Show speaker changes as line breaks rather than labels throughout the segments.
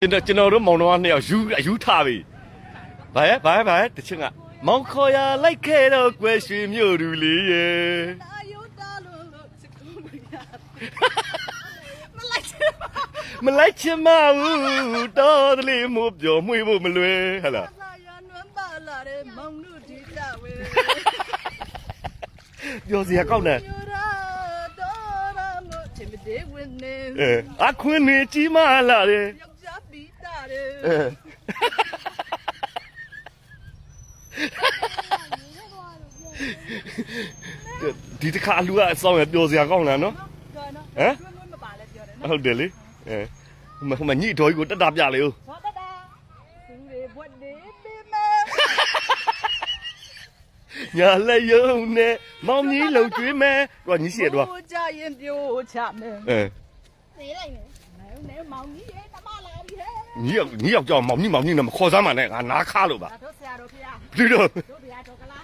ကျွန်တော်တို့မောင်နှမနှစ်ယောက်ယူထားပြီဘာတချင်ကမောင်ခေါ်ရလိုက်ခဲ့တော့ကွယ်ရွှေမြို့သူလေးရဲ့မလိုက်ချင်မဘူးတော်တလေးမို့ပြောမွေးဖို့မလွယ်ဟလားပြောစရာကောက်နေအခွင့်နေကြီးမလာတယ်ဒီတစ်ခါလူကအဆောင်ရပြောစရာကောင်းလားနော်ဟမ်ဟုတ်တယ်လေဟိုမှာညိတော်ကြီးကိုတက်တာပြလေဦးညာလည်းယုံနဲ့မောင်ကြီးလုံကျွေးမယ်တော့ညိရှိရတော့
ကြရင်ပြိုးချမယ်သေးလိုက်မယ်နဲမောင်ကြီးရဲ့တမလာပြီဟဲ့
ညိယောက်ကြောင်မောင်ကြီးနဲ့မခေါ်စမ်းပါနဲ့ငါနားခါလို့ပါ
တို့ဆရာတို့ဖေရ
ဒီတော့
တို့ဖေရတော့ကလား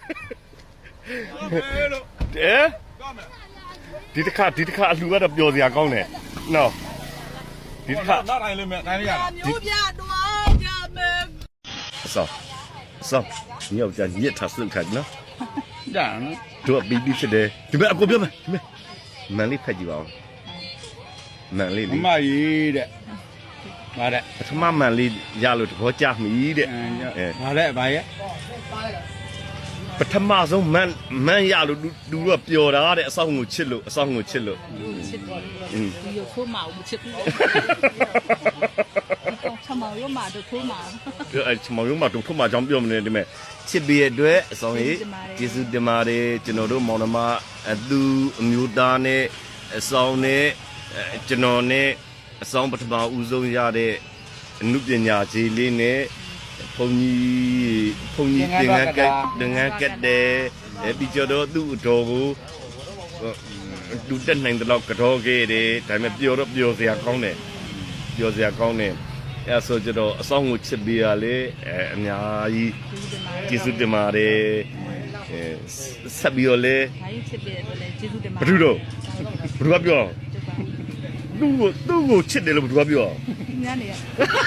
ဒီတစ်ခါအလှကတော့ပြောစရာကောင်းတယ်နော်ဒီတစ်ခါ
နားတိုင်းလေးမဲ့တိုင်းလေးရ
မျိုးပြတော့ကြမယ်
ဆောညယောက်ကြညစ်ထားစုခတ်နော်
ဒါနော်
တို့ဘီဘီဖြစ်တယ်ဒီမဲ့အကိုပြောမယ်ဒီမဲ့မန်လေးဖက်ကြည့်ပါဦးမန်လေး
မမကြီးတဲ့ဗါတဲ့
ပထမမန်လေးရလို့တဘောကြမိတဲ့
ဗါတဲ့ဗါရဲ့
ပထမဆုံးမန်ရလို့သူတို့ပျော်တာတဲ့အဆောင်ကိုချစ်လို့
ချစ်တယ်ဒီရုပ်ထိုးမအောင်မချစ်ဘူးချမောင်ရုံးမှာတို့ထိုးမှာ
ချမောင်ရုံးမှာတို့ထိုးမှာကြောင်းပြောမနေဒီမဲ့ချစ်ပြီးအတွက်အဆောင်ကြီးကျေးဇူးတင်ပါတယ်ကျွန်တော်တို့မောင်နှမအသူအမျိုးသားနဲ့အဆောင်နဲ့ကျွန်တော်နဲ့အဆောင်ပထမဦးဆုံးရတဲ့အမှုပညာကြီးလေးနဲ့ဘုံကြီးသင်္ကန်းကတ်တယ်ပြီးကြတော့သူ့အတော်ကိုလူတက်နိုင်တဲ့လောက်ကြောခဲ့တယ်ဒါပေမဲ့ပျော်စရာကောင်းတယ်အဲဆိုကြတော့အဆောင်ကိုချစ်ပေးရလေအများကြီးကျေးဇူးတင်ပါတယ်ဆက်ပြီးတော့လေ
ချစ်ပေးတယ်လေကျေးဇူးတင်ပါ
ဘယ်သူကပြောသူ့ကိုချစ်တယ်လို့ဘယ်သူကပြော
ညနေရ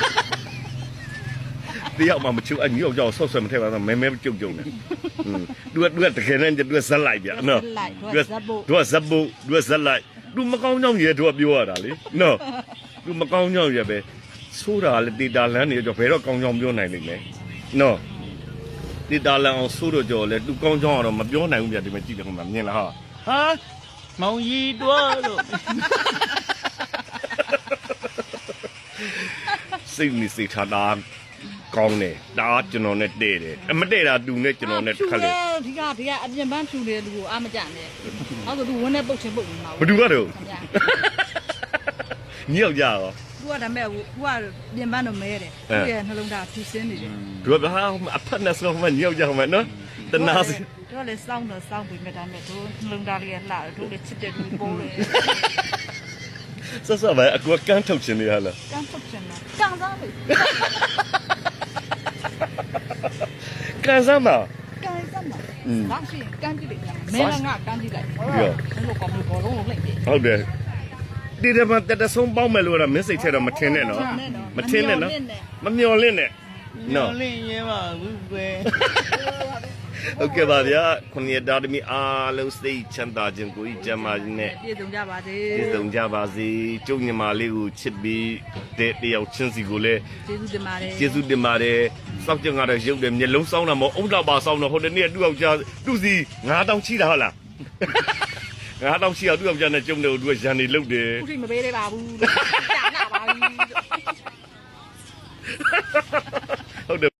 တရားမှမချူအညောက်ကြောက်ဆော့ဆွဲမထဲပါတော့မဲကြုံနေသူကတကယ်နဲ့သူကဇက်လိုက်ဗျာနော်သူကဇက်လိုက်သူမကောင်းကြောင်ရဲသူကပြောရတာလေနော်သူမကောင်းကြောင်ရဲပဲဆိုးတာလေတေတာလန်းနေကြောဘယ်တော့ကောင်းကြောင်ပြောနိုင်လိမ့်မယ်နော်တေတာလန်းအောင်ဆိုးတော့ကြောလေသူကောင်းကြောင်ကတော့မပြောနိုင်ဘူးဗျာဒီမှာကြည့်တယ်ခင်ဗျာမြင်လားဟာ
မောင်ကြီးတွားလို့
စိတ်နေစိတ်ထားတာကောင်းတယ်ဒါကျွန်တော်နဲ့တဲ့တယ်မတဲ့တာသူနဲ့ကျွန်တော်နဲ့တစ်ခါလေ
ဒီကအပြင်ပန်းဖြူတယ်လူကိုအားမကြနဲ့ဟုတ်ဆိုသူဝန်းနဲ့ပုတ်ချင်းပုတ်နေမှာ
ဘယ်သူကတော့ညောက်ကြရော
သူကဒါမဲ့သူကပြင်ပန်းတော့မဲတယ်သူရဲ့နှလုံးသားဖြူစင်းနေတယ်
သူကဘာအဖက်နဲ့ဆိုမှညောက်ကြမှာနော်တနာစီ
သူကလည်းစောင်းပြီးမြတ်တာမဲ့သူနှလုံးသားလေးကလှတယ်သူလည်းချစ်တယ်သူပိုးတယ်
ဆက်ပဲအကူကန်းထုတ်ခြင်းလေးဟာလား
ကန်းထုတ်ခြင်းလားကန်စားပြီ
ကန်စားမှာ
ဒါရှိရင်ကန်းကြည့်လိုက်မင်းကကန်းကြည့်လိုက်ဟုတ်ရောလို့ကောင်းလို့ဘောလုံးလုံးလိုက်တယ်
ဟုတ်တယ်ဒီတမတက်ဆုံးပေါင်းမယ်လို့တော့မင်းစိတ်ထဲတော့မထင်နဲ့နော်မထင်နဲ့နော်မမျော်လင့်နဲ့
နော်လင့်ရဲပါဘူးပဲ
ဟုတ်ကဲ့ပါဗျာခုနှစ်တာသမီးအားလုံးစိတ်ချမ်းသာခြင်းကိုကြီးကျမ်းမာခြင်းနဲ့
ပြည့်စုံကြပါစေ
ကျုပ်ညီမလေးကိုချစ်ပြီးတဲ့တယောက်ချင်းစီကိုလည်း
ကျေးဇူးတင်ပါတယ်
စောက်ကြင်ကတော့ရုပ်တယ်မျက်လုံးစောင်းတာမဟုတ်အုံတော့ပါစောင်းတော့ဟိုတနေ့သူ့ယောက်ျားသူ့စီ9000ချိတာဟုတ်လား9000ချိအောင်သူ့ယောက်ျားနဲ့ကျုံတယ်သူကရန်နေလုတ်တယ်
ခုထိမပေးသေးပါဘူးကြာနာပါပြီ
ဟုတ်တယ်